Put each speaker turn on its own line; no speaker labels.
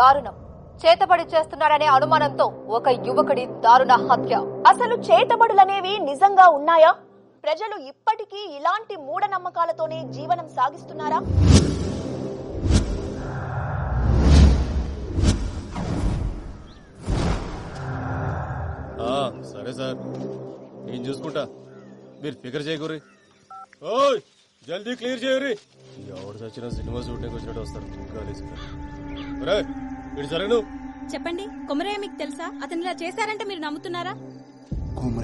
దారుణం. చేతబడి చేస్తున్నాడనే అనుమానంతో ఒక యువకుడి దారుణ హత్య.
అసలు చేతబడులనేవి నిజంగా ఉన్నాయా? ప్రజలు ఇప్పటికీ ఇలాంటి మూఢనమ్మకాలతోనే జీవనం సాగిస్తున్నారా?
సరే సార్, నేను చూసుకుంటా, మీరు ఫికర్ చేయకూరి. ఓయ్ జల్దీ క్లియర్ చేయరి. ఎవడు చచ్చిన సినిమా షూటింగ్ వచ్చినట్టు వస్తారు. ఇటు సరే. నువ్వు
చెప్పండి, కొమరయ్య మీకు తెలుసా? అతను ఇలా చేశారంటే మీరు నమ్ముతున్నారా?